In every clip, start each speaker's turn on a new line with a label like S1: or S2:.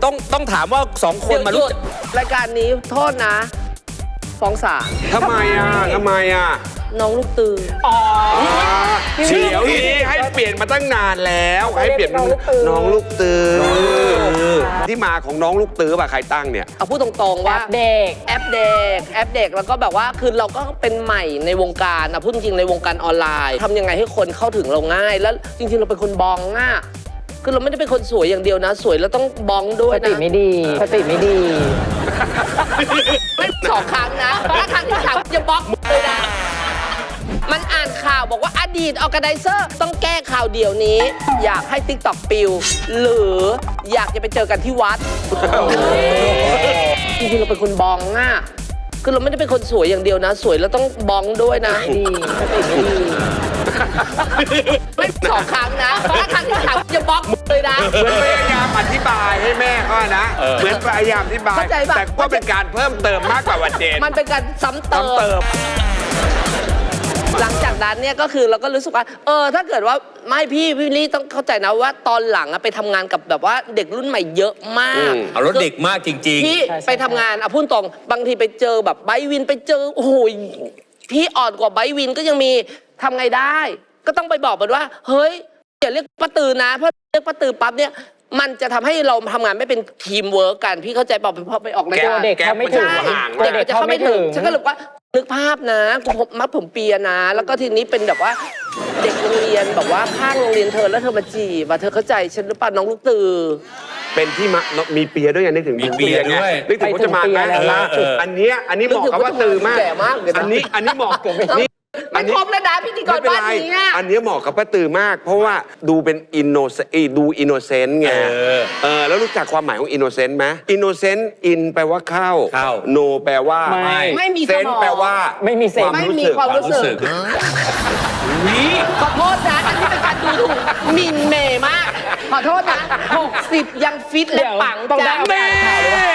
S1: ต้องถามว่า2 คนมา
S2: ห
S1: รู้
S2: ยุดรายการนี้โทษนะฟ้องศาล
S3: ทำไมอ่ะ
S2: น้องลูกตือ
S3: เดี๋ยวนี้ให้เปลี่ยนมาตั้งนานแล้วให้เปลี่ยนเป็นน้องลูกตือที่มาของน้องลูกตือป่ะใครตั้งเนี่ย
S2: เอาพูดตรงๆว่า
S4: เด็ก
S2: แอปเด็กแล้วก็แบบว่าคือเราก็เป็นใหม่ในวงการนะพูดจริงๆในวงการออนไลน์ทำยังไงให้คนเข้าถึงเราง่าย แล้วจริงๆเราเป็นคนบองอ่ะคือเราไม่ได้เป็นคนสวยอย่างเดียวนะ สวยแล้วต้องบองด้วย
S4: สติ
S2: นะ
S4: ไม่ดีสติไม่ดี
S2: ไม่2 ครั้งนะถ้าครั้งที่3จะบล็อกเลยนะมันอ่านข่าวบอกว่าอดีตออร์แกไนเซอร์ต้องแก้ข่าวเดี๋ยวนี้ อยากให้ TikTok ปิว หรืออยากจะไปเจอกันที่วัด จริงๆเราเป็นคนบองอ่ะคือเราไม่ได้เป็นคนสวยอย่างเดียวนะ สวยแล้วต้องบองด้วยนะ
S4: ดีสติไม่ดี
S2: ไม่2 ครั้งนะถ้าครั้งที่3จะบล็อกเลยนะ
S3: เหมือนพยายามอธิบายให้แม่เขานะเหมือนพยายามอธิบาย
S2: เข้าใจปะ
S3: แต่ก็เป็นการเพิ่มเติมมากกว่าวันเจน
S2: มันเป็นการซ้ำเติม หลังจากนั้นเนี่ยก็คือเราก็รู้สึกว่าถ้าเกิดว่าไม่พี่ลี่ต้องเข้าใจนะว่าตอนหลังไปทำงานกับแบบว่าเด็กรุ่นใหม่เยอะมาก
S1: เอารถเด็กมากจริง
S2: พี่ไปทำงานพูดตรงบางทีไปเจอแบบไบวินไปเจอโอ้โหพี่อ่อนกว่าไบวินก็ยังมีทำไงได้ ก็ต้องไปบอกมันว่าเฮ้ยอย่าเรียกป้าตือนะเพราะเรียกป้าตือปั๊บเนี่ยมันจะทำให้เราทำงานไม่เป็นทีมเวิร์กกันพี่เข้าใจเปล่าพอไปออกรายการ
S4: เด็กเขาไม่ถึง
S2: ใช่
S4: กลัว
S2: เด็กมันจะเข้าไม่ถึงฉันก็เลยว่านึกภาพนะกูมัดผมเปียนะ แล้วก็ทีนี้เป็นแบบว่าเด็กโรงเรียนแบบว่าข้างโรงเรียนเธอแล้วเธอมาจีบเธอเข้าใจฉันหรือเปล่าน้องลูกตือ
S3: เป็นที่มีเปียด้วยไงนึกถึง
S1: มีเปียด้วย
S3: นึกถึงพจมานไหม
S4: ไปถึงเปียแล้วล่าสุด
S3: อันเนี้ยเหมาะกับว่าตือมาก
S2: แก่มากเลยนะ
S3: อันนี้เหมาะกับนี่
S2: ไม่ครบแล้วนะพิธีกรบ้านนี้อะ
S3: อันนี้เหมาะกับป้าตือมาก เพราะว่าดูเป็นอินโนเซนต์ไงแล้วรู้จักความหมายของอินโนเซนต์ไหมอินโนเซนต์อินแปลว่าเข้าโนแปลว่า
S2: ไม่มี
S3: เซ
S2: ส
S3: น
S2: มอง
S3: แปลว่า
S4: ไม่มีเซนส์
S2: ไม่มีความรู้สึก
S1: นี่
S2: ขอโทษนะอันนี้เป็นการดูถูกหมินเมย์มาก ขอโทษนะ60ยังฟิตและปัง
S4: ต้องได้
S2: จ้ะ
S4: เอาไปอ่านข่าวเลยว่า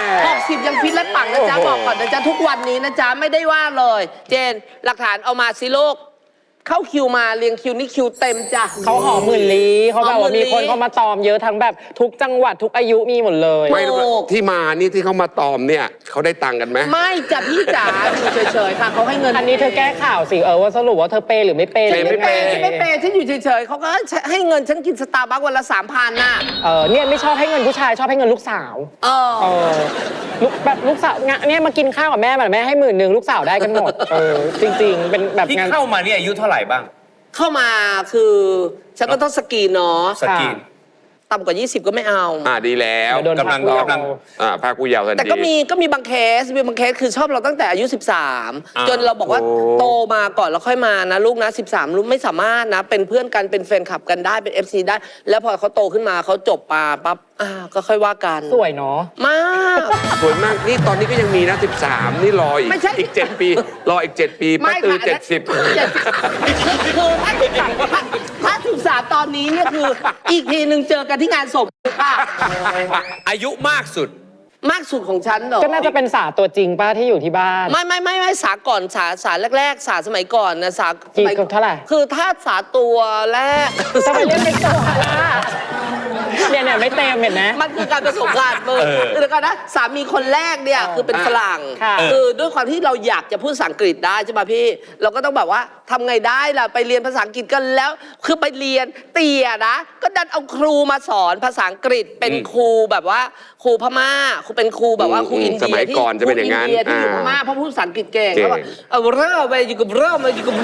S2: 60ยังฟิตและปังนะจ๊ะบอกก่อนนะจ๊ะทุกวันนี้นะจ๊ะไม่ได้ว่าเลย เจนหลักฐานเอามาสิลูกเข้าคิวมาเรียงคิวนี่คิวเต็มจ้ะ
S4: เขาหอมหมื่นลี้เขาแบบว่ามีคนเข้ามาตอมเยอะทั้งแบบทุกจังหวัดทุกอายุมีหมดเลย
S3: ไม่ที่มานี่ที่เขามาตอมเนี่ยเขาได้ตังค์กันไหม
S2: ไม่จ้ะพี่จ๋าอยู่เฉยๆค่ะเขาให้เงิน
S4: อันนี้เธอแก้ข่าวสิว่าสรุปว่าเธอเปย์หรือไม่เปย์
S2: ฉันไม่เปย์ฉันไม่เปย์ฉันอยู่เฉยๆเขาก็ให้เงินฉันกินสตาร์บัควันละ3,000น่ะ
S4: เนี่ยไม่ชอบให้เงินผู้ชายชอบให้เงินลูกสาว แบบลูกสาวเนี่ยมากินข้าวกับแม่แบบแม่ให้10,000ลูกสาวได้กันหมดจริงๆเป็นแบบ
S1: ที่
S4: งาน
S1: เข้ามาเนี่ยอายุเท่าไหร่บ้าง
S2: เข้ามาคือฉันก็ต้องสกรีนเนาะ
S1: สกรีน
S2: ต่ำกว่า 20 ก็ไม่เอา
S3: ดีแล้ว
S4: โดน
S1: กำลัง
S3: ภาคผู้เยาว์ทันที
S2: แต่ก็มีบางเคสคือชอบเราตั้งแต่อายุ 13 จนเราบอกว่า
S3: โอ้
S2: โตมาก่อนแล้วค่อยมานะลูกนะ13ลูกไม่สามารถนะเป็นเพื่อนกันเป็นแฟนคลับกันได้เป็น FC ได้ แล้วพอเขาโตขึ้นมาเขาจบมาปั๊บก็ค่อยว่ากัน
S4: สวยเนาะ
S2: มาก
S3: สวยมากนี่ตอนนี้ก็ยังมีนะ13นี่รออีก
S2: ไม่ใช่
S3: อีก7 ปีรออีก7 ปีป้าตือ70
S2: คือถ้า13ตอนนี้เนี่ยคืออีกทีหนึ่งเจอกันที่งานศพค่ะ
S1: อายุมากสุด
S2: มากสุดของฉันเหรอ
S4: ก็น่าจะเป็นสาตัวจริงป้าที่อยู่ที่บ้าน
S2: ไม่สาก่อนสาแรกๆสาสมัยก่อนนะสา
S4: กี่เท่าไหร่
S2: คือถ้าสาตัวแรก
S4: ทำไมเรียกเป็นตัวล่ะเนี่ยไม่เต็มเห็นไหม
S2: มันคือการผสมกันมึงเดี๋ยวก่อนนะสามีคนแรกเนี่ยคือเป็นฝรั่ง
S4: ค่ะ
S2: คือด้วยความที่เราอยากจะพูดภาษาอังกฤษได้ใช่ไหมพี่เราก็ต้องแบบว่าทำไงได้ล่ะไปเรียนภาษาอังกฤษกันแล้ว คือไปเรียนเตี่ยนะก็ดันเอาครูมาสอนภาษาอังกฤษเป็นครูแบบว่าครูพม่าครูเป็นครูแบบว่าครูอินเดีย
S3: สมัยก่อนจะเป็นอย่างนั้น
S2: ครูอินเดียที่อยู่พม่าเพราะพูดภาษาอังกฤษเก่งเขาบอกเอาเริ่มไปอยู่กับเริ่ม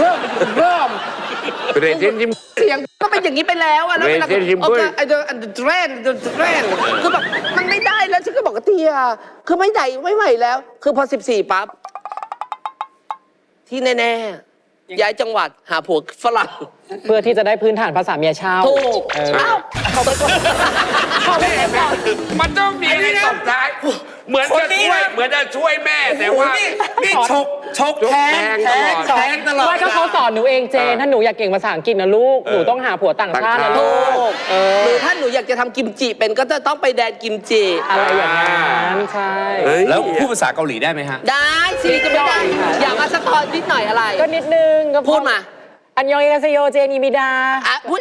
S3: เรนเจนยิ้ม
S2: เสียงก็เป็นอย่างนี้ไปแล้วอะแล้วเวลา
S3: เรนเจนยิ้ม
S2: โอ
S3: ด้ว
S2: เค
S3: ย
S2: ไอ้เดอะเทรนคือแบบมันไม่ได้แล้วฉันก็บอกกับเตียคือไม่ได้ไม่ไหวแล้ว คือพอ14ปั๊บที่แน่ๆย้ายจังหวัดหาผัวฝรั่ง
S4: เพื่อที่จะได้พื้นฐานภาษาเมียเช่า
S2: ถูก
S4: เอ้า
S2: เขาไปก่อนเขาไปก่อน
S3: มันต้องมีอะไรตบท้ายเหมือนจะช่วยแม่แต่ว่า
S1: นี่ชกแทง
S3: แทงตลอด
S1: แทงตลอด
S4: ว่าถ้าเขาสอนหนูเองเจนถ้าหนูอยากเก่งภาษาอังกฤษนะลูกหนูต้องหาผัวต่างชาตินะลู
S2: ถู
S4: ก
S2: กหรือถ้าหนูอยากจะทำกิมจิเป็นก็จะต้องไปแดนกิมจิ
S4: อะไรอย่างนั้นใช่
S3: เฮ้ย
S1: แล้วพูดภาษาเกาหลีได้ไหมฮะ
S2: ได้สิจะไม่ได้อยากมาสะท้อนนิดหน่อยอะไร
S4: ก็นิดนึงก็
S2: พูดมา
S4: อันยองเอเซโยเจนีมิดา
S2: พูดอีก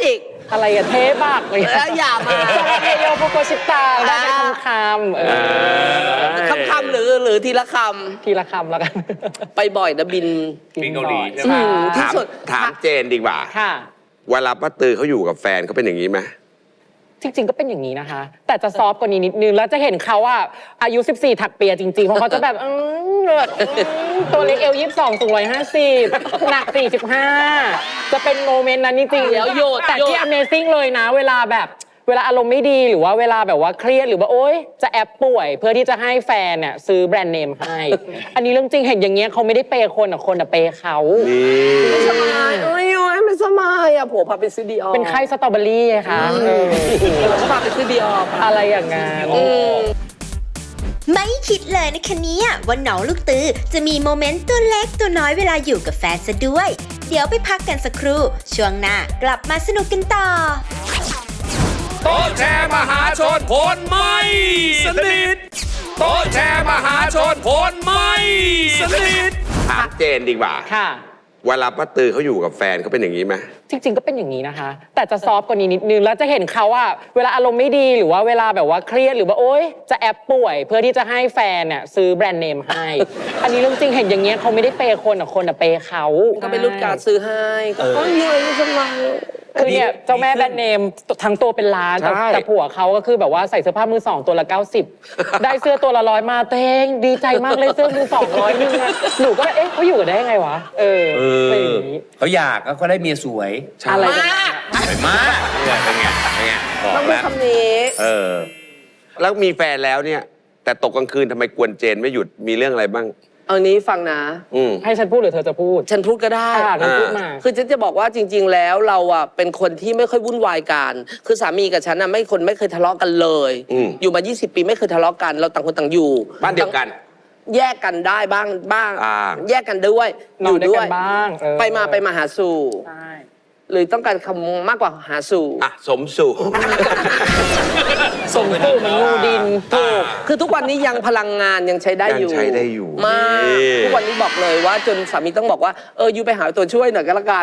S4: อะไรอะเทบักอะไร
S2: อย่ามา
S4: ซาลาเฮโยโปโกชิตาได้เป็นคำ
S2: คำหรือทีละค
S4: ทีละคำแล้วกัน
S2: ำไปบ่อยนะบิน
S1: บินเกาหลีใช่ไหม
S4: ใช่
S2: ที่สุด
S3: ถามเจนดีกว่า
S4: ค่ะ
S3: เวลาป้าตือเขาอยู่กับแฟนเขาเป็นอย่างนี้ไหม
S4: จริงๆก็เป็นอย่างนี้นะคะ แต่จะซอฟต์กว่านี้นิดนึง แล้วจะเห็นเขาอะอายุ 14 ถักเปียจริงๆ เพราะเขาจะแบบตัวเล็กเอว22สูง150 หนัก 45 จะเป็นโมเมนต์นั้นจริงๆ
S2: เดี๋ยวโยด
S4: แต่ที่ Amazing เลยนะ เวลาอารมณ์ไม่ดีหรือว่าเวลาแบบว่าเครียดหรือว่าโอ๊ยจะแอบป่วย เพื่อที่จะให้แฟนเนี่ยซื้อแบรนด์เนมให้ อันนี้เรื่องจริงเห็นอย่างเงี้ยเขาไม่ได้เปย์คนอะคนอะเปย์เขา
S2: ไม่สบายเอ้ยไม่สบายอ่ะผัวพาไปซื้อดีออ
S4: เป็นไข้สตรอเบอรี่ไงคะ
S2: ผัวพาไปซื้อดีออ
S4: อะไรอย่างงั้น
S5: ไม่คิดเลยนะคะเนี่ยว่าน้องลูกตือจะมีโมเมนต์ตัวเล็กตัวน้อยเวลาอยู่กับแฟนซะด้วย เดี๋ยวไปพักกันสักครู่ช่วงหน้ากลับมาสนุกกันต่อ
S1: โต๊ะแชร์มหาชนคนไม่สนิทโต๊ะแชร์มหาชนคนไม่สนิท
S3: ถามเจนดีกว่า
S4: ค่ะ
S3: เวลาป้าตือเขาอยู่กับแฟนเขาเป็นอย่างนี้ไหม
S4: จริงๆก็เป็นอย่างนี้นะคะ แต่จะซอฟต์กว่านี้นิดนึง แล้วจะเห็นเขาอะเวลาอารมณ์ไม่ดีหรือว่าเวลาแบบว่าเครียดหรือว่าโอ๊ยจะแอบป่วย เพื่อที่จะให้แฟนเนี่ยซื้อแบรนด์เนมให้ อันนี้เรื่องจริงเห็นอย่างเงี้ยเขาไม่ได้เปย์คนอะคนอะเปย์เขา
S2: ก็เป็นรุ่นการซื้อให้ก็ไม่สบาย
S4: คือเนี่ยเจ้าแม่แบรนด์เนมทั้งตัวเป็นล้านแต่
S3: ใช่
S4: แต่ผัวเขาก็คือแบบว่าใส่เสื้อผ้ามือสองตัวละ 90 ได้เสื้อตัวละ100มาเต้งดีใจมากเลยเสื้อมือ200นึงนะหนูก็เอ๊ะเขาอยู่กันได้ยังไงวะเป็นอย่างนี้
S1: เขาอยากก็ได้เมียสวย
S4: อะไร
S2: มา
S4: กัน
S2: ก
S1: สวยมากเนี่ยเป็นไงบอก
S2: ต้องพูด
S1: แล้ว
S2: คำนี้
S3: แล้วมีแฟนแล้วเนี่ย แต่ตกกลางคืนทำไมกวนเจนไม่หยุดมีเรื่องอะไรบ้าง
S2: เอานี้ฟังนะ
S4: ให้ฉันพูดหรือเธอจะพูด
S2: ฉันพูดก็ได้
S4: งั้นพูดมา
S2: คือฉันจะบอกว่าจริง ๆ แล้วเราอ่ะเป็นคนที่ไม่ค่อยวุ่นวายกัน คือสามีกับฉันน่ะไม่เคยทะเลาะกันเลย อยู่มา 20 ปีไม่เคยทะเลาะกัน เราต่างคนต่างอยู่
S3: บ้านเดียวกัน
S2: แยกกันได้บ้าง แยกกันด้วย
S4: นอนด้วยกันบ้าง
S2: ไปมาหาสู่
S4: ใช่
S2: หรือต้องการคำมากกว่าหาสู่
S3: อ่ะ สมสู่
S4: ส่งตู้มันงูดินถูก
S2: คือทุกวันนี้ยังพลังงานยังใช้ได้อยู่
S3: ยังใช้ได้อยู่
S2: มาก
S3: นี่
S2: ทุกวันนี้บอกเลยว่าจนสามีต้องบอกว่ายูไปหาตัวช่วยหน่อยก็แล้วกัน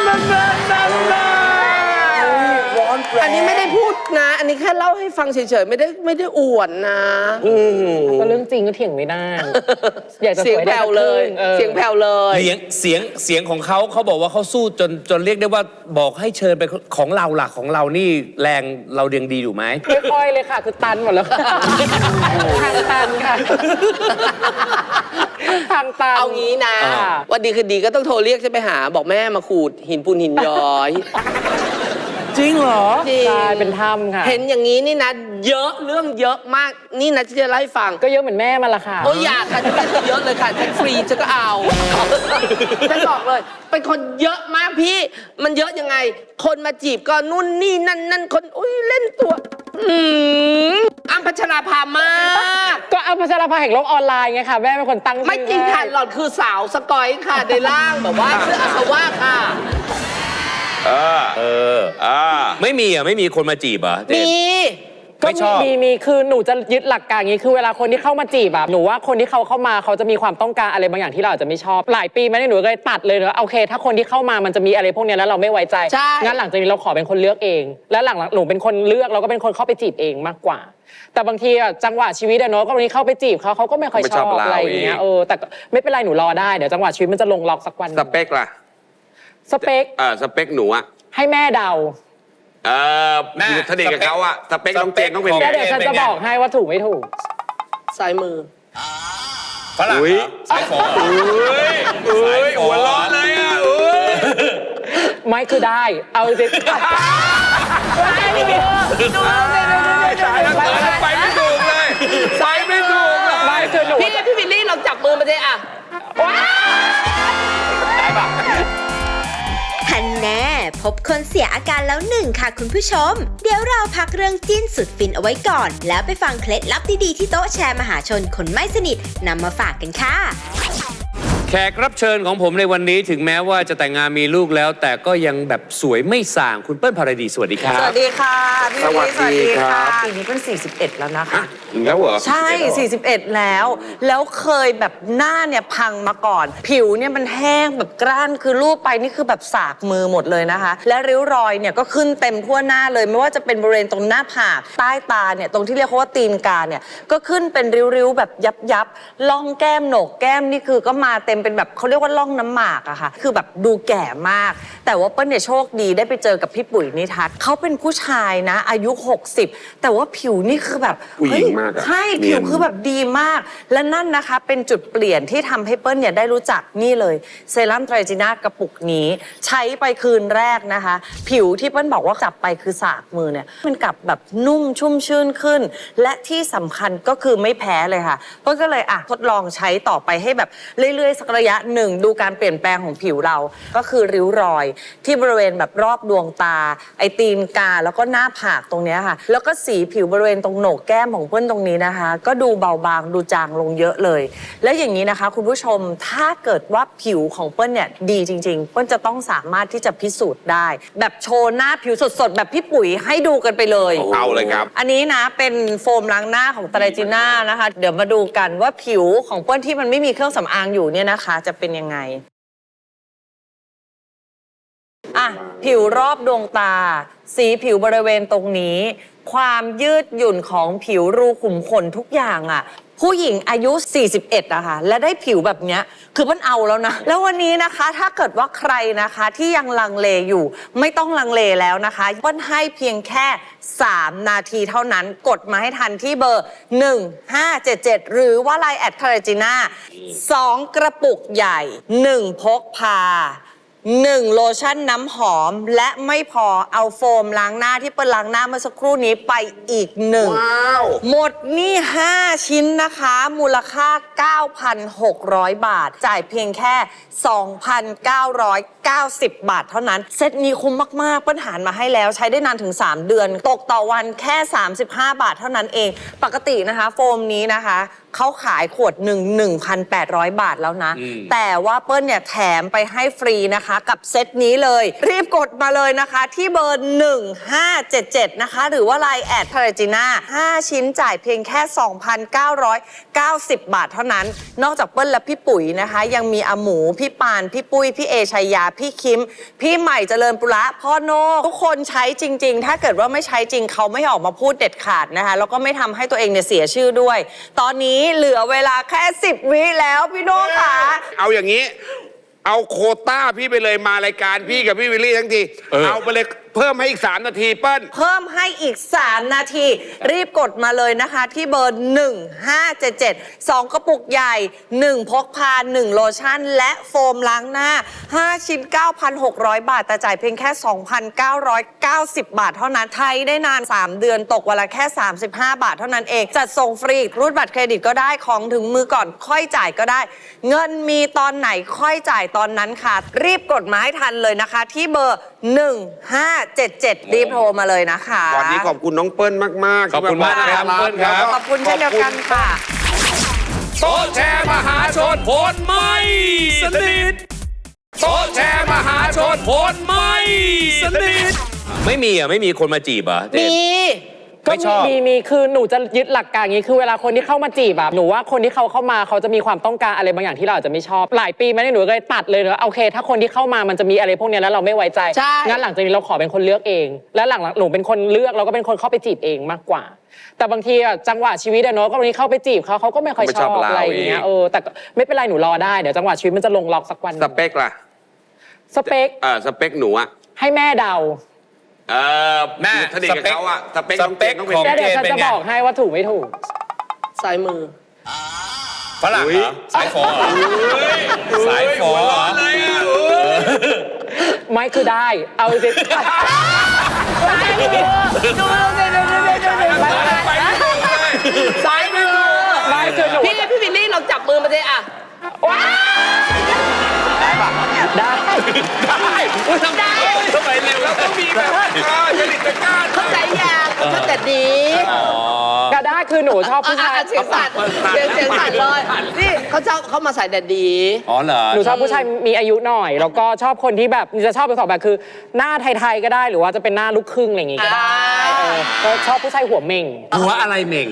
S2: อันนี้ไม่ได้พูดนะ อันนี้แค่เล่าให้ฟังเฉยๆไม่ได้อวดนะ
S4: ก็เรื่องจริงก็เถียงไม่ได้ อยากจะ
S2: เสียง
S4: สวย
S2: แผ่
S4: ได้
S2: วเลย
S4: เสียง
S2: แผ่วเลย
S1: เสียงของเขาบอกว่าเขาสู้จนเรียกได้ว่าบอกให้เชิญไปของเราหลักของเรานี่แรงเราเรียงดีอยู่ไหม
S4: ไม่ค่อยเลยค่ะ คือตันหมดแล้วค่ะทางตันค่ะทางตัน
S2: เอางี้นะ วันดีคือดีก็ต้องโทรเรียกฉันไปหา บอกแม่มาขูดหินปูนหินย้อย
S1: จริงเหรอ
S2: จริง
S4: ใช่เป็นถ้ำค่ะ
S2: เห็นอย่างนี้นี่นะเยอะเรื่องเยอะมากนี่นะที่จะเล่าให้ฟัง
S4: ก็เยอะเหมือนแม่มาละค่ะ
S2: โอ้ยอยากค่ะฉันเป็นเยอะเลยค่ะฉันฟรีฉันก็เอาฉันบอกเลย เป็นคนเยอะมากพี่ มันเยอะยังไง คนมาจีบก็นู่นนี่นั่นคนอุ้ยเล่นตัวอ้ำพัชราภามาก
S4: ก็เอาพัชรภาแห่งโลกออนไลน์ไงค่ะ แม่เป็นคนตั้งชื่อ
S2: ไม่จริงค่ะหล่อนคือสาวสกอยค่ะในร่างแบบว่าชื่ออาสวะค่ะ
S1: ไม่มีคนมาจีบเหรอเจน
S2: มี
S4: ก็
S1: ไม่ชอบ
S4: มีคือหนูจะยึดหลักการอย่างนี้คือเวลาคนที่เข้ามาจีบแบบหนูว่าคนที่เขาเข้ามาเขาจะมีความต้องการอะไรบางอย่างที่เราอาจจะไม่ชอบหลายปีมาเนี่ยหนูก็เลยตัดเลยนะโอเค ถ้าคนที่เข้ามามันจะมีอะไรพวกเนี้ยแล้วเราไม่ไว้ใจ
S2: ใช่
S4: งั้นหลังจากนี้เราขอเป็นคนเลือกเอง แล้วหลังๆหนูเป็นคนเลือกเราก็เป็นคนเข้าไปจีบเองมากกว่า แต่บางทีอะจังหวะชีวิตอะเนาะก็วันนี้เข้าไปจีบเขาก็ไม่ค่อยชอบอะไรอย่างเงี้ยแต่ก็ไม่เป็นไรหนูรอได้เดี๋ยวจังหวะชีวิตมันจะลงล็อกสักวัน
S3: สเปคล่ะ
S4: สเปค
S3: สเปคหนูอะ
S4: ให้แม่เดา
S1: แม่
S3: สนิทกับเขาอะสเปคน้องเจนต้องเป็น
S4: แล้ว
S3: ไง
S4: เดี๋ยวฉันจะบอกให้ว่าถูกไม่ถูก
S2: ซ้ายมือ
S1: ฝรั่ง
S3: อุ๊ย
S1: สายฝอ
S3: หัวร้อนเลยอะ
S4: ไม่คือได้ เอาจริง
S3: ไปไม่ถูกเลยไปไม่ถูกเลย
S4: ไม่คือหนู
S2: พี่วิลลี่เราจับมือมาเลยอ่ะ
S5: ฮันแน่พบคนเสียอาการแล้วหนึ่งค่ะคุณผู้ชม เดี๋ยวเราพักเรื่องจิ้นสุดฟินเอาไว้ก่อน แล้วไปฟังเคล็ดลับดีๆที่โต๊ะแชร์มหาชนคนไม่สนิทนำมาฝากกันค่ะ
S1: แขกรับเชิญของผมในวันนี้ถึงแม้ว่าจะแต่งงานมีลูกแล้ว แต่ก็ยังแบบสวยไม่ส่างคุณเปิ้ลภารดีสวัสดีครับ
S6: สวัสดีค่ะพี่วิลลี่
S3: สวัสดีครับ
S6: ปีนี้เป็น41แล้วนะคะ
S3: แล้วเหรอ
S6: ใช่ 41 แล้วเคยแบบหน้าเนี่ยพังมาก่อน ผิวเนี่ยมันแห้งแบบกร้านคือรูปไปนี่คือแบบสากมือหมดเลยนะคะ และริ้วรอยเนี่ยก็ขึ้นเต็มทั่วหน้าเลยไม่ว่าจะเป็นบริเวณตรงหน้าผากใต้ตาเนี่ยตรงที่เรียกว่าตีนกาเนี่ยก็ขึ้นเป็นริ้วๆแบบยับล่องแก้มโหนกแก้มนี่คือก็มาเต็มเป็นแบบเขาเรียกว่าล่องน้ำหมากอะค่ะคือแบบดูแก่มาก แต่ว่าเปิ้ลเนี่ยโชคดีได้ไปเจอกับพี่ปุ๋ยนิทัศน์เขาเป็นผู้ชายนะอายุ 60 แต่ว่าผิวนี่คือแบบ
S3: ผู้หญิงมากอะ
S6: ใช่
S3: เนี
S6: ผิ
S3: ยน
S6: วคือแบบดีมาก และนั่นนะคะเป็นจุดเปลี่ยนที่ทำให้เปิ้ลเนี่ยได้รู้จักนี่เลยเซรั่มไตรจีน่ากระปุกนี้ ใช้ไปคืนแรกนะคะ ผิวที่เปิ้ลบอกว่าจับไปคือสากมือเนี่ยมันกลับแบบนุ่มชุ่มชื่นขึ้น และที่สำคัญก็คือไม่แพ้เลยค่ะเปิ้ลก็เลยทดลองใช้ต่อไปให้แบบเรื่อยๆสักระยะหนึ่งดูการเปลี่ยนแปลงของผิวเราก็คือริ้วรอยที่บริเวณแบบรอบดวงตาไอตีนกาแล้วก็หน้าผากตรงเนี้ยค่ะแล้วก็สีผิวบริเวณตรงโหนกแก้มของเปิ้ลตรงนี้นะคะก็ดูเบาบางดูจางลงเยอะเลย แล้วอย่างนี้นะคะคุณผู้ชมถ้าเกิดว่าผิวของเปิ้ลเนี่ยดีจริงๆเปิ้ลจะต้องสามารถที่จะพิสูจน์ได้ แบบโชว์หน้าผิวสดๆแบบพี่ปุ๋ยให้ดูกันไปเลย
S3: เอาเลยครับ
S6: อันนี้นะเป็นโฟมล้างหน้าของไตรจีน่านะคะเดี๋ยวมาดูกันว่าผิวของเปิ้ลที่มันไม่มีเครื่องสำอางอยู่เนี่ยนะคะจะเป็นยังไงผิวรอบดวงตาสีผิวบริเวณตรงนี้ความยืดหยุ่นของผิวรูขุมขนทุกอย่างผู้หญิงอายุ 41อะค่ะและได้ผิวแบบเนี้ยคือมันเอาแล้วนะแล้ววันนี้นะคะถ้าเกิดว่าใครนะคะที่ยังลังเลอยู่ไม่ต้องลังเลแล้วนะคะเปิ้ลให้เพียงแค่3 นาทีเท่านั้นกดมาให้ทันที่เบอร์ 1577 หรือว่า LINE แอดคาราจิน่า2 กระปุกใหญ่ 1 พกพา1 โลชั่นน้ำหอมและไม่พอเอาโฟมล้างหน้าที่เปิ้ลล้างหน้าเมื่อสักครู่นี้ไปอีก1
S3: ว้าว
S6: หมดนี่5 ชิ้นนะคะมูลค่า 9,600 บาทจ่ายเพียงแค่ 2,990 บาทเท่านั้นเซตนี้คุ้มมากๆเปิ้ลหารมาให้แล้วใช้ได้นานถึง3 เดือนตกต่อวันแค่35 บาทเท่านั้นเองปกตินะคะโฟมนี้นะคะเขาขายขวดหนึ่ง 1,800 บาทแล้วนะแต่ว่าเปิ้ลเนี่ยแถมไปให้ฟรีนะคะกับเซตนี้เลยรีบกดมาเลยนะคะที่เบอร์ 1577 นะคะหรือว่า LINE แอดคาราจิน่า5 ชิ้นจ่ายเพียงแค่ 2,990 บาทเท่านั้นนอกจากเปิ้ลและพี่ปุ๋ยนะคะยังมีอาหมูพี่ปานพี่ปุ้ยพี่เอชัยยาพี่คิมพี่ใหม่เจริญปุระพ่อโนทุกคนใช้จริงๆถ้าเกิดว่าไม่ใช้จริงเขาไม่ออกมาพูดเด็ดขาดนะคะแล้วก็ไม่ทำให้ตัวเองเนี่ยเสียชื่อด้วยตอนนี้เหลือเวลาแค่10 วิแล้วพี่โน่ค่ะ
S3: เอาอย่างนี้ เอาโควต้าพี่ไปเลยมารายการพี่กับพี่วิลลี่ทั้งที เอาไปเลยเพิ่มให้อีก3 นาทีเปิ้ล
S6: เพิ่มให้อีก3 นาทีรีบกดมาเลยนะคะที่เบอร์ 1577 2 กระปุกใหญ่ 1 พกพา 1 โลชั่นและโฟมล้างหน้า 5 ชิ้น 9,600 บาทแต่จ่ายเพียงแค่ 2,990 บาทเท่านั้นไทยได้นาน3 เดือนตกวันละแค่35 บาทเท่านั้นเองจัดส่งฟรีรูดบัตรเครดิตก็ได้ของถึงมือก่อนค่อยจ่ายก็ได้ เงินมีตอนไหนค่อยจ่ายตอนนั้นค่ะรีบกดมาให้ทันเลยนะคะที่เบอร์ 1577 รีบโทรมาเลยนะคะ
S3: วันนี้ขอบคุณน้องเปิ้ลมากๆ
S1: ขอบคุณมากนะครับเปิ้ลครับ
S6: ขอบคุณเช่นเดียวกันค่ะ
S1: โต๊ะแชร์มหาชนผลไม่สนิทโต๊ะแชร์มหาชนผลไม่สนิทไม่มีคนมาจีบเหรอเจน
S2: มี
S1: ไม่ชอบ
S4: มีคือหนูจะยึดหลักการอย่างนี้คือเวลาคนที่เข้ามาจีบหนูว่าคนที่เขาเข้ามาเขาจะมีความต้องการอะไรบางอย่างที่เราอาจจะไม่ชอบหลายปีมาเนี่ยหนูก็เลยตัดเลยว่าโอเค ถ้าคนที่เข้ามามันจะมีอะไรพวกเนี้ยแล้วเราไม่ไว้ใจ
S2: ใช่
S4: งั้นหลังจากนี้เราขอเป็นคนเลือกเอง แล้วหลังหนูเป็นคนเลือกเราก็เป็นคนเข้าไปจีบเองมากกว่า แต่บางทีจังหวะชีวิตเนาะก็วันนี้เข้าไปจีบเขาก็ไม่ค่อยชอบอะไรอย่างเงี้ยแต่ไม่เป็นไรหนูรอได้เดี๋ยวจังหวะชีวิตมันจะลงล็อกสักวัน
S3: สเปคล่ะ
S4: สเปค
S3: สเปคหนูอะ
S4: ให้แม่เดา
S3: แม่สนิทกับเขาอะสเปคน้องเจนต้องเป็น
S1: ของ
S4: แล้วเดี๋ยวฉันจะบอกให้ว่าถูกไม่ถูก
S2: สายมือ
S1: ฝรั่งเหรอสายฝอเหรอสายฝอเหรอ
S4: ไม่คือได้ เอาจริงสายมือไม่คือหนู
S2: พี่วิลลี่เราจับมือมาเลยอะ
S4: ว้าได้
S1: อุ๊ยทำไมเร็วแล้วต้องมีแบบจริตจักร้า
S2: เข้าใจยังเข้าใจดี
S4: ก็ได้คือหนูชอบผู้ชาย
S2: เสียงสั่นเสียงสั่นเลยนี่เขามาใส่แดดดี
S1: อ๋อเหรอ
S4: หนูชอบผู้ชายมีอายุหน่อย แล้วก็ชอบคนที่แบบจะชอบเป็นสองแบบคือ หน้าไทยๆก็ได้หรือว่าจะเป็นหน้าลูกครึ่งอะไรอย่างงี้ก็ได้ก็ชอบผู้ชายหัวเม่ง
S1: หัวอะไรเหม่ง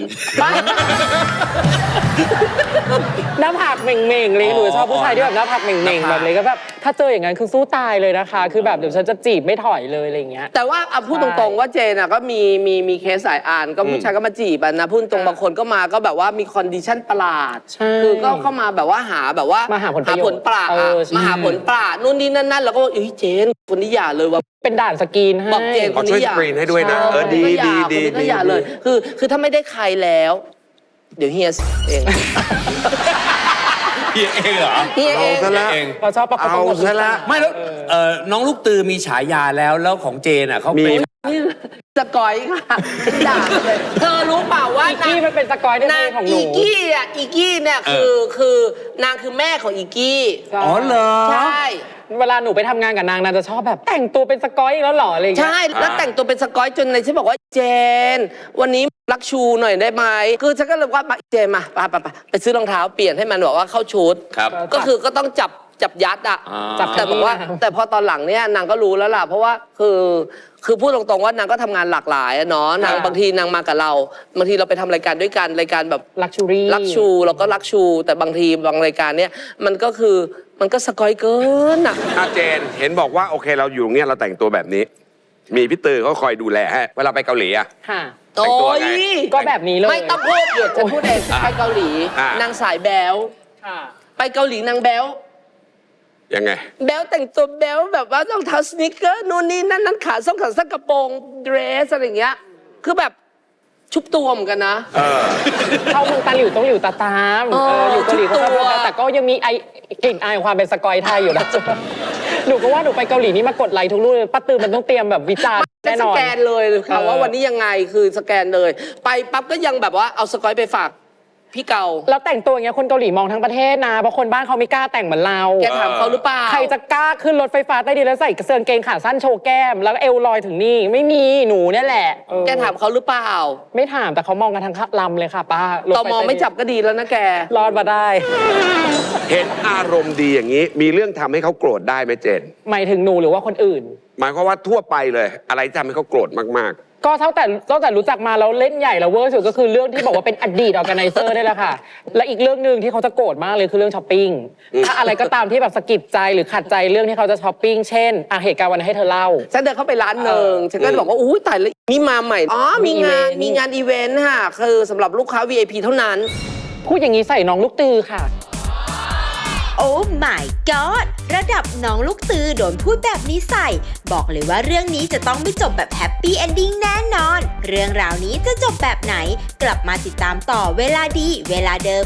S4: หน้าผากเม่งๆเลยหนูชอบผู้ชายที่แบบหน้าผากเม่งๆแบบเลยก็แบบถ้าเจออย่างนั้นคือสู้ตายเลยนะคะ คือแบบเดี๋ยวฉันจะจีบไม่ถอยเลยอะไรอย่างเงี้ย
S2: แต่ว่าพูดตรงๆว่าเจนอ่ะก็มีเคสสายอ่านก็ผู้ชายก็มาจีบอ่ะนะพูดตรงบางคนก็มาก็แบบว่ามีคอนดิชั่นประหลาด
S4: ใช่
S2: คือก็เข้ามาแบบว่าหาแบบว่า
S4: มาหาผลประโยชน์
S2: ปราด
S4: เออใช่
S2: มาหาผลปราดนู่นนี่นั่นแล้วก็เอ้ยเจนคนนี้อย่าเลยว่า
S4: เป็นด่านสกรีนให้
S2: บอกเจน
S3: ขอช่วยสกรีนให้ด้วยนะ ดี
S2: คนนี้ก็อย่าเลย คือถ้าไม่ได้ใครแล้ว เดี๋ยวเฮียเอง
S1: เฮียเองเหรอ
S2: เฮียเอง
S3: เอาซะละ
S1: เอง
S4: เราชอบประกบ
S3: เอาซะละ
S1: ไม่แล้วน้องลูกตือมีฉายาแล้วของเจนอ่ะเขาเป็น
S2: นี่สกอยค่ะด่าเลยเธอรู้เปล่าว่า
S4: อีกกี้มันเป็นสกอยในเพลงของหนู
S2: อีกี้เนี่ยคือนางคือแม่ของอีกี้
S1: อ๋อเหรอ
S2: ใช่
S4: เวลาหนูไปทำงานกับนางจะชอบแบบแต่งตัวเป็นสกอยอีกแล้วเหรออะไรอย่างเงี้ย
S2: ใช่แล้วแต่งตัวเป็นสกอยจนในฉันบอกว่าเจน วันนี้รักชูหน่อยได้ไหมคือฉันก็เลยว่าเจนมาไปซื้อรองเท้าเปลี่ยนให้มันบอกว่าเข้าชุด
S1: ครับ
S2: ก็คือก็ต้องจับยัดอ่ะ
S1: จับ
S2: แต่บอกว่าแต่พอตอนหลังเนี่ยนางก็รู้แล้วล่ะเพราะว่าคือพูดตรงๆว่านางก็ทำงานหลากหลายอะเนาะนางบางทีนางมากับเราบางทีเราไปทำรายการด้วยกันรายการแบบ
S4: ลักชูรี่
S2: รักชูเราก็รักชู แต่บางทีบางรายการเนี่ยมันก็คือมันก็สกอยเกินอ่ะ
S3: อาเจนเห็นบอกว่าโอเคเราอยู่ตรงเนี้ยเราแต่งตัวแบบนี้ มีพี่ตือเขาคอยดูแลให้เวลาไปเกาหลีอะ
S4: ค่ะ
S3: แต่งตัวไง
S2: โอ้ย
S4: ก็แบบนี้เลย
S2: ไม่ต้องพูดเดี๋ยวจะพูดเองไปเกาหลี นางสายแบล
S4: ค่ะ
S2: ไปเกาหลีนางแบล
S3: ยังไง
S2: แบลแต่งตัวแบลแบบว่ารองเท้าสนิเกอร์นู่นนี่นั่นขาส้นขาสั้นกระโปรงเดรสอะไรอย่างเงี้ยคือแบบชุบตัวเหมือนกันนะ
S4: เข้าเมืองตาหลิวต้องหลิวตาตาม
S2: อ๋อ
S4: อยู่เกาหลีเขาชอบ
S2: ทุกตัว
S4: แต่ก็ยังมีกลิ่นอายของความเป็นสกอยไทยอยู่นะ หนูก็ว่าหนูไปเกาหลีนี่มากดไลค์ทุกรูปเลยป้าตือมันต้องเตรียมแบบวิจารณ์
S2: ได้
S4: แน่
S2: ส
S4: นอน
S2: แกนเลยค่ะว่าวันนี้ยังไงคือสแกนเลย ไปปั๊บก็ยังแบบว่าเอาสกอยไปฝากพี่เกา
S4: แล้วแต่งตัวอย่างเงี้ยคนเกาหลีมองทั้งประเทศนะเพราะคนบ้านเขาไม่กล้าแต่งเหมือนเรา
S2: แกถามเขาหรือเปล่า
S4: ใครจะกล้าขึ้นรถไฟฟ้าใต้ดินแล้วใส่กระเสื้อกางเกงขาสั้นโชว์แก้ม แล้วเอวลอยถึงนี่ไม่มีหนูเนี่ยแหละเออ
S2: แกถามเขาหรือเปล่า
S4: ไม่ถามแต่เขามองกันทั้งลำเลยค่ะป้ารถ
S2: ต
S4: ฟ
S2: มไม่จับก็ดีแล้วนะแก
S4: รอดมาได้
S3: เห็นอารมณ์ดีอย่างนี้ มีเรื่องทำให้เขาโกรธได้ไหมเจน
S4: หมายถึงหนูหรือว่าคนอื่น
S3: หมายความว่าทั่วไปเลย อะไรที่ทำให้เขาโกรธมาก
S4: ก็ตั้งแต่รู้จักมาแล้วเล่นใหญ่แล้วเวอร์สุดก็คือเรื่องที่บอกว่าเป็นอดีตออร์แกไนเซอร์ได้แหละค่ะ และอีกเรื่องหนึ่งที่เขาจะโกรธมากเลยคือเรื่องช้อปปิ้งถ้าอะไรก็ตามที่แบบสะกิดใจหรือขัดใจเรื่องที่เขาจะช้อปปิ้งเช่นเหตุการณ์วันนั้นให้เธอเล่า
S2: ฉันเดินเข้าไปร้านหนึ่งฉันก็บอกว่าอุ้ยตายแล้วนี่มาใหม่ อ๋อ มีงานอีเวนต์ค่ะ คือสำหรับลูกค้า VIP เท่านั้น
S4: พูดอย่างนี้ใส่น้องลูกตือค่ะ
S5: โอ้ my god ระดับน้องลูกตือโดนพูดแบบนี้ใส่ บอกเลยว่าเรื่องนี้จะต้องไม่จบแบบแฮปปี้เอนดิ้งแน่นอน เรื่องราวนี้จะจบแบบไหน กลับมาติดตามต่อเวลาดี เวลาเดิม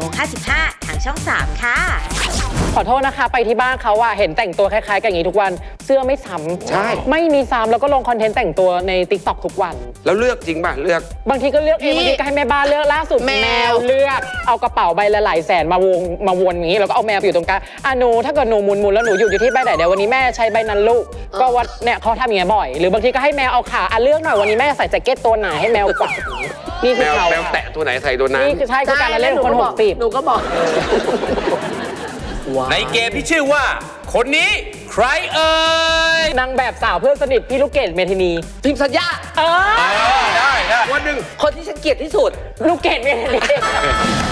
S5: 10:55 ทางช่อง 3 ค่ะ
S4: ขอโทษนะคะไปที่บ้านเขาอะเห็นแต่งตัวคล้ายๆกันอย่างนี้ทุกวันเสื้อไม่ซ้ำ
S3: ใช่
S4: ไม่มีซ้ำแล้วก็ลงคอนเทนต์แต่งตัวใน TikTok ทุกวัน
S3: ๆ แล้วเลือกจริงป่ะ เลือก
S4: บางทีก็เลือกเอง
S2: นี่
S4: บางทีก็ให้แม่บ้านเลือกล่าสุด
S2: แมว
S4: แมวเลือกเอากระเป๋าใบละหลายแสนมาวนอย่างนี้แล้วก็เอาแมวไปอยู่ตรงกลางหนูถ้าเกิดหนูหมุนแล้วหนูอยู่ที่ใบไหนเดี๋ยววันนี้แม่ใช้ใบนั้นลูกก็วัดเนี่ยเขาทำอย่างเงี้ยบ่อย หรือบางทีก็ให้แมวเอาขาเลือกหน่อยวันนี้แม่ใส่แจ็คเก็ตตัวไหนให้แมวกวักนี่คือเขา
S3: แมวแตะตัวไหนใส่ตัวนั้น
S4: นี่คือใช่คือการละเล่นของคน
S2: หนูก็บอก
S1: ในเกมที่ชื่อว่า คนนี้ใครเอ่ย
S4: 60นางแบบสาวเพื่อนสนิทพี่ลูกเกดเมทินี
S2: พิมพ์สัญญา
S4: เออ
S1: ได้
S3: วันหนึ่ง
S2: คนที่ฉันเกลียดที่สุด
S4: ลูกเกดเมทินี